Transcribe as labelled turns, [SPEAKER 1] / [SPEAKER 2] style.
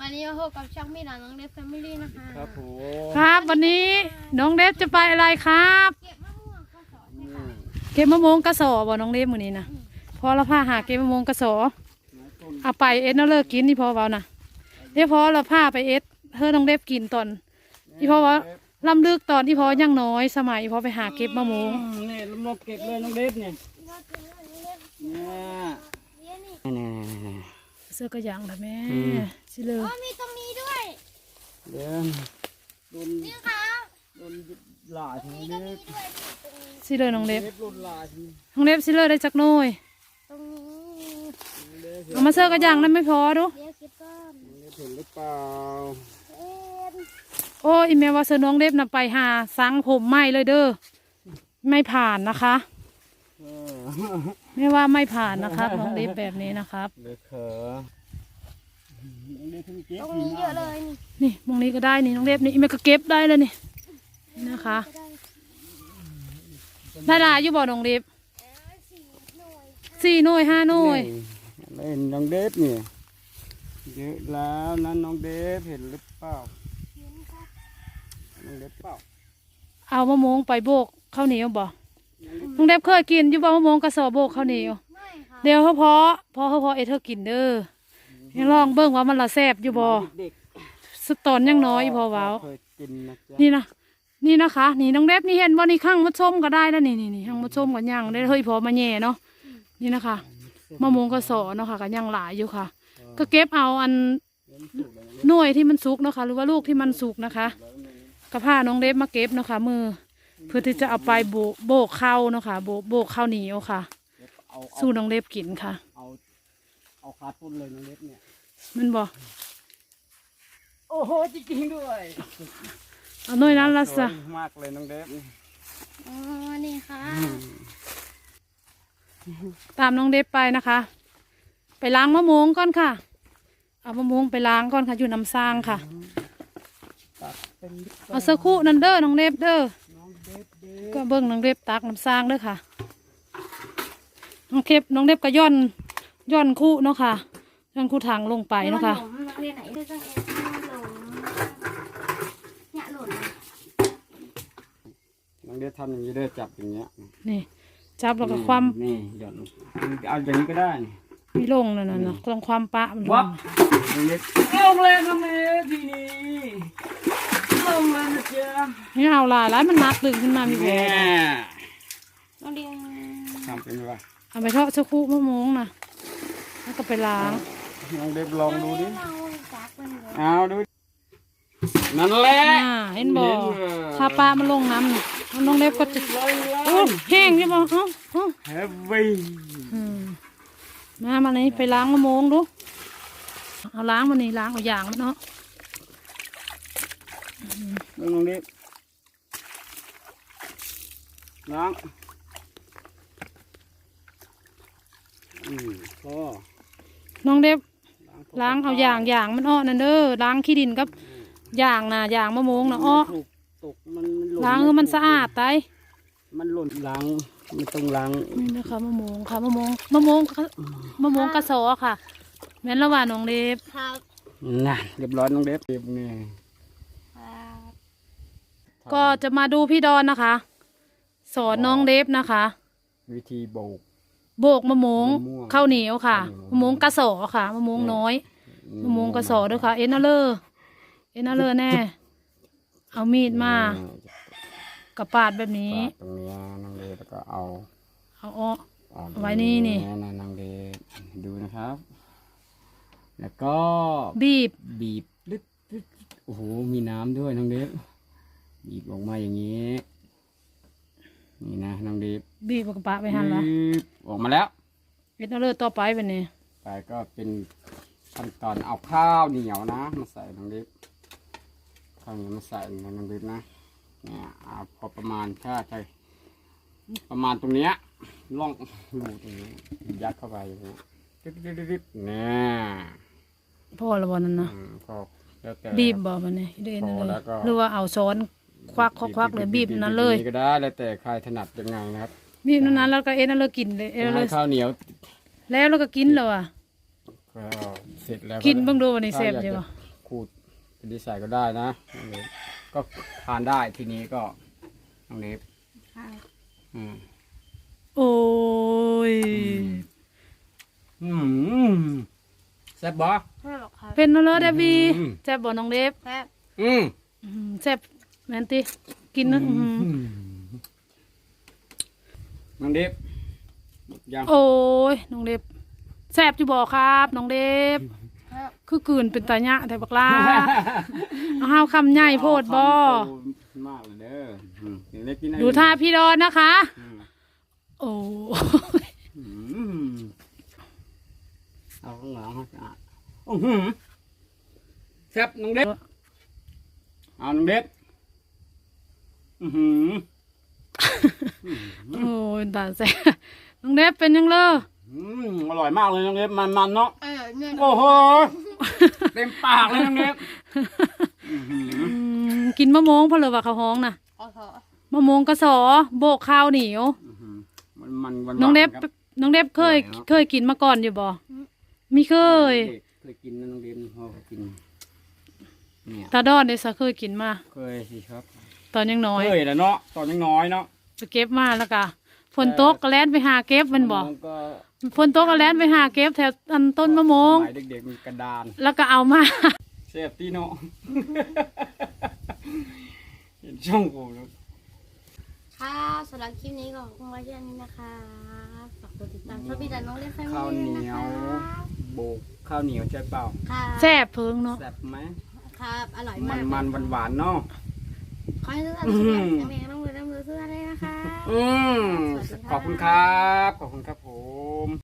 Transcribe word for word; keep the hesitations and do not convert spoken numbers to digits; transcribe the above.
[SPEAKER 1] วันนี้เราพบกับช่องมีหลานน้องเดฟแฟมิลี่นะคะ
[SPEAKER 2] ครับผม
[SPEAKER 3] ครับวันนี้น้องเดฟจะไปอะไรครับ
[SPEAKER 1] เก็บมะม่วงข้าวสอนใช่ค่ะ
[SPEAKER 3] เก็บมะม่วงกระสอบ่น้องเดฟมื้อนี้นะพอเราพาหาเก็บมะม่วงกระสอเอาไปเอ็ดน่าเลิกกินนี่พอเบานะเดี๋ยวพอเราพาไปเอ็ดเธอน้องเดฟกินตอนที่พอว่าล้ำลึกตอนที่พอยังน้อยสมัยพอไปหาเก็บมะม่วง
[SPEAKER 2] นี่ลำลบเก็บเลยน้องเดฟเนี่ยนี่นี่
[SPEAKER 3] เสื้อกระยางแบบแม่สิเลย
[SPEAKER 1] อ๋อมีตรงนี้ด้วย
[SPEAKER 2] เดี๋ยวโดน
[SPEAKER 1] นี่ค่ะ
[SPEAKER 2] โดนหลาที
[SPEAKER 1] นี่
[SPEAKER 2] นี้
[SPEAKER 1] ก็มีด้วยตรงนี้
[SPEAKER 3] สิเลยน้องเดฟ
[SPEAKER 2] โดนหลาที
[SPEAKER 3] น้องเดฟสิเลยได้จักหน่อย
[SPEAKER 1] ตรงนี้
[SPEAKER 3] เอามาเสื้อกระยางนั้นไม่พอดู
[SPEAKER 1] เดี๋ยวเก็บก่อน
[SPEAKER 2] เห็นหรือเปล่า
[SPEAKER 1] เอ็น
[SPEAKER 3] โอ้อีเมลว่าเสื้อน้องเดฟน่ะไปหาสังผมไหมเลยเด้อไม่ผ่านนะคะไม่ว่าไม่ผ่านนะครับน้องเดฟแบบนี้นะครับ
[SPEAKER 2] เด็กเขอ
[SPEAKER 1] ตรงนี้เยอะเลยนี่
[SPEAKER 3] นี่มองนี้ก็ได้นี่น้องเดฟนี่อีเมลก็เก็บได้เลยนี่นี่นะคะได้ลายอยู่บ่น้องเดฟสี่หน่วยห้าหน่วย
[SPEAKER 2] เล่นน้องเดฟเนี่ยเยอะแล้วนั่นน้องเดฟเห็นหรือเปล่าน้องเดฟเปล่า
[SPEAKER 3] เอามะม่วงไปโบกข้าวเหนียวบ่น้องเดฟเคยกินอยู่บ่มะม่วงกระสอบโบกข้าวเหนียว
[SPEAKER 1] ไม่ค่ะ
[SPEAKER 3] เดี๋ยวเขาพอพอเขาพอเอเธอกินเด้อยังลองเบิ่งว่ามันละแซ่บอยู่บ่
[SPEAKER 2] เด็ก
[SPEAKER 3] สตอนยังน้อยพอเว้า
[SPEAKER 2] เคยกินนะจ๊ะ
[SPEAKER 3] นี่นะนี่นะคะนี่น้องเดฟนี่เห็นว่านี่ข้างมะส้มก็ได้แล้วนี่นี่นี่ข้างมะส้มกันยังได้เฮ้ยพอมาแย่เนาะนี่นะคะมะม่วงกระสอเนาะค่ะกันยังหลายอยู่ค่ะ ก็เก็บเอาอันหน่วยที่มันสุกเนาะค่ะหรือว่าลูกที่มันสุกนะคะกระพาน้องเดฟมาเก็บเนาะค่ะมือเพื่อที่จะเอาไปโบกโบกข้าวเนาะค่ะโบกโบกข้าวเหนียวค่ะ
[SPEAKER 2] เอา
[SPEAKER 3] สู้น้องเดฟกินค่ะ
[SPEAKER 2] เอาเอาคาต้นเลยน้องเล็บเนี่ย
[SPEAKER 3] มันบอก
[SPEAKER 2] โอ้โหจริงๆด้วย
[SPEAKER 3] เอาหน่วยนั้นละซะ
[SPEAKER 2] สวยมากเลยน้องเล็บ
[SPEAKER 1] อ๋อนี่ค่ะ
[SPEAKER 3] ตามน้องเดฟไปนะคะ ไปล้างมะม่วงก่อนค่ะ เอามะม่วงไปล้างก่อนค่ะอยู่น้ำซางค่ะ
[SPEAKER 2] ตัดเป็น
[SPEAKER 3] เอาสักครู่นั่นเด้อน้องเดฟเด้อ
[SPEAKER 2] น้องเล็บเด็ก
[SPEAKER 3] ก็เบิ้งน้องเดฟตักน้ำซางเด้อค่ะน้องเดฟน้องเดฟก็ย่อนย่อนคู่เนาะค่ะย่อนคู่ถังลงไปเนาะค่ะ
[SPEAKER 1] หลงเรียนไหนด้วยจังเอ็นหลงเนี่ยหล่น
[SPEAKER 2] น้องเล็บทำอย่างนี้เด้อจับอย่างเงี้ย
[SPEAKER 3] นี่จับแล้วก็ความ
[SPEAKER 2] นี่หย่อนเอาอย่างนี้ก็ได้
[SPEAKER 3] มีลงนั่นน่ะเนาะต้องความปะมันล
[SPEAKER 2] วั
[SPEAKER 3] ง
[SPEAKER 2] บน้องเล็บลงเลยน้องเล็บทีนี้ลงเลยนะจ๊ะ
[SPEAKER 3] นี่เอาหลายหลายมันหนักดึงขึ้นมามีแผล
[SPEAKER 2] แม่
[SPEAKER 1] น้องเรียน
[SPEAKER 2] ทำเป็นว่า
[SPEAKER 3] เอาไปทอดสักครู่มะม่วงนะแล้วก็ไปล้าง
[SPEAKER 2] น้องเล็บลองดูดิ
[SPEAKER 1] เราจักมันเลย
[SPEAKER 2] เอาดูนั่นแหละ
[SPEAKER 3] อ่าเห็นบ่ถ้าปลามันลงน้ำน่ะน้องเล็บก็จะ
[SPEAKER 2] เลยเล
[SPEAKER 3] โอ้
[SPEAKER 2] ย
[SPEAKER 3] แห้งใช่ป่ะเอ้าเอ้า
[SPEAKER 2] เฮฟวี่
[SPEAKER 3] อืมมามานี่ไปล้างมะม่วงดูเอาล้างมานี่ล้างเอาอย่างมันเนาะ
[SPEAKER 2] น้องเล็บล้างอืมพอ
[SPEAKER 3] น้องเล็บล้างเอาอย่างอย่างมันอ้อนั่นเด้อล้างขี้ดินกับอย่างน่ะอย่างมะม่วงน่ะอ้อ
[SPEAKER 2] ถูกตกมันหล่น
[SPEAKER 3] ล้างให้มันสะอาดไต
[SPEAKER 2] มันหล่นล้างไม่ต้องล้าง
[SPEAKER 3] นี่นะคะมะม่วงค่ะมะม่วงมะม่วงมะม่วงกระสอค่ะแม่นละว่าน้องเล็บ
[SPEAKER 1] ครับ
[SPEAKER 2] น่ะเรียบร้อยน้องเล็บเรียบนี่
[SPEAKER 1] ครับ
[SPEAKER 3] ก็จะมาดูพี่ดอนนะคะ สอนน้องเล็บนะคะ
[SPEAKER 2] วิธีโบก
[SPEAKER 3] โบกมะม่วง
[SPEAKER 2] มะม่วง
[SPEAKER 3] ข้าวเหนียวค่ะ
[SPEAKER 2] ข้าวเหนียว
[SPEAKER 3] มะม่วงกระสอค่ะมะม่วงน้อยมะม่วงกระสอด้วยค่ะ เอ็นนาเลอร์เอ็นนาเลอร์แน่ เอามีดมากับปาดแบบนี้
[SPEAKER 2] ปาดตรงนี้น้องเล็บแล้วก็เอา
[SPEAKER 3] เอาอ้อ
[SPEAKER 2] เอา
[SPEAKER 3] ไว้นี่นี่
[SPEAKER 2] นะน้องเล็บดูนะครับ แล้วก็
[SPEAKER 3] บีบ
[SPEAKER 2] บีบลึกลึกโอ้โหมีน้ำด้วยน้องเล็บบีบออกมาอย่างนี้นี่นะน้องเล็บ
[SPEAKER 3] บีบกับปะไปหันละ
[SPEAKER 2] บีบออกมาแล้ว
[SPEAKER 3] เอ็นนาเลอร์ต่อไปแบบนี้
[SPEAKER 2] ไปก็เป็นขั้นตอนเอาข้าวเหนียวนะมาใส่น้องเล็บข้าวเหนียวมาใส่ในน้องเล็บนะเนี่ยเอาพอประมาณถ้าใช่ประมาณตรงเนี้ยล่องรูตรงนี้ยัดเข้าไปอย่างเงี้ยดึ๊ดดึ๊ดดึ๊ดเนี่ย
[SPEAKER 3] พ่อละวันนั้นนะ
[SPEAKER 2] อืมพอแล้วแต่
[SPEAKER 3] บีบบอกมันนี่เอ็นนาเล
[SPEAKER 2] พอแล้
[SPEAKER 3] อ
[SPEAKER 2] วก็
[SPEAKER 3] ร์หรือว่าเอาซ้อนควักควักควักเลยบีบนั้นเลย
[SPEAKER 2] ก็ได้แล้วแต่ใครถนัดยังไงนะครับ
[SPEAKER 3] บีบนั้นแล้วก็เอ็นนาเลอร์กินเลยเอ็นนาเลอ
[SPEAKER 2] ให้
[SPEAKER 3] ร์
[SPEAKER 2] ข้าวเหนียว
[SPEAKER 3] แล้วเราก็กินเลยอ่ะ
[SPEAKER 2] ก็เสร็จแล้ว
[SPEAKER 3] กินเบิ่งดูวันนี้แซ่บ
[SPEAKER 2] ถ้า
[SPEAKER 3] อยู่
[SPEAKER 2] อยาก
[SPEAKER 3] บ่
[SPEAKER 2] จะขูดเป็นดีใส่ก็ได้นะน้องเล็บก็ทานได้ทีนี้ก็น้องเล็บ
[SPEAKER 1] ค่ะ
[SPEAKER 2] อืม
[SPEAKER 3] โอ้ย
[SPEAKER 2] อืมแซ่บบ่
[SPEAKER 1] แซ่บหรอกครับ
[SPEAKER 3] เป็นเนอะเลยเดบี
[SPEAKER 2] อืม
[SPEAKER 3] แซ่บบ่น้องเล็บ
[SPEAKER 1] แซ่บ
[SPEAKER 2] อืม
[SPEAKER 3] อืมแซ่บแม่นติกินนะอื้อหือ
[SPEAKER 2] น้องเล็บหมดยัง
[SPEAKER 3] โอ้ยน้องเล็บแซ่บอยู่บ่ครับน้องเล็บ
[SPEAKER 1] แซ่บ
[SPEAKER 3] คือกลืนเป็นตาหยะแต่บักลา เอาห้าวคำใหญ่โพดบ่
[SPEAKER 2] มากเลยเด้ออืมเล็กกินได้
[SPEAKER 3] ดูท่าพี่ดอนนะคะ
[SPEAKER 2] อืม
[SPEAKER 3] โอ้ย
[SPEAKER 2] อืมเอาข้างหลังให้สะอาดอื้อหือแซ่บน้องเล็บเอาน้องเล็บอือหือ
[SPEAKER 3] โอ้ยตาแซ่บน้องเล็บเป็นยังเลอ
[SPEAKER 2] อืมอร่อยมากเลยน้องเล็บมันๆเนาะ
[SPEAKER 1] เออเนี่ย
[SPEAKER 2] โอ้โหเต็มปากเลยน้องเล็บอื้อหือ
[SPEAKER 3] อืมกินมะม่วงเพอเลยว่าเขาห้องน่ะ
[SPEAKER 1] อ๋อเหรอ
[SPEAKER 3] มะม่วงกระสอโบกข้าวเหนียว
[SPEAKER 2] อื้อหือมันมันหวาน
[SPEAKER 3] น้องเล็บ
[SPEAKER 2] ครับ
[SPEAKER 3] น้องเล็บเคย
[SPEAKER 2] อร่อยเนอะ
[SPEAKER 3] เคยกินมาก่อนอยู่บ่ไม่เคย
[SPEAKER 2] เคยกินนะน้องเล็บพ่อเคยกินเนี่ย
[SPEAKER 3] ตาดอนเดซะเคยกินมา
[SPEAKER 2] เคยสิครับ
[SPEAKER 3] ตอนยังน้อย
[SPEAKER 2] เคยแหล้วเนาะตอนยังน้อยเนาะ
[SPEAKER 3] ไปเก็บมาแล้วก็ฝนตกก็แล่นไปหาเก็บแมันบ่
[SPEAKER 2] มันก็
[SPEAKER 3] ฝนตกก็แล่นไปหาเก็บแถวอันต้นมะม่วง
[SPEAKER 2] สมัยเด็กๆมีกระดาน
[SPEAKER 3] แล้วก็เอามา
[SPEAKER 2] เซฟตี้เนาะ เห็นช่องผมแล้ว
[SPEAKER 1] ค่ะสำหรับคลิปนี้ก็ขอบคุณไว้แค่นี้นะคะฝากกดติดตามช่องพี่ดันน้องเล่นแฟมิ
[SPEAKER 2] ข้าวเห
[SPEAKER 1] ลี่
[SPEAKER 2] นี
[SPEAKER 1] ด้วย
[SPEAKER 2] ย
[SPEAKER 1] นะ
[SPEAKER 2] ว
[SPEAKER 1] คะ
[SPEAKER 2] โบกข้าวเหนียวใช่เปล่า
[SPEAKER 1] ค่ะ
[SPEAKER 3] แซ่บเพิงเนาะ
[SPEAKER 2] แซ่บไหม
[SPEAKER 1] ครับอร่อย
[SPEAKER 2] มั
[SPEAKER 1] มาน ก
[SPEAKER 2] มันหวานหวานๆเนาะ
[SPEAKER 1] ขอให้ทุกท่านสุขภาพแข็งแรงร่ำรวยร่ำรวยทุกท่านเลยนะคะ
[SPEAKER 2] อืม
[SPEAKER 1] สวัสดีค่ะ
[SPEAKER 2] ขอบคุณครับ ขอบคุณครับผม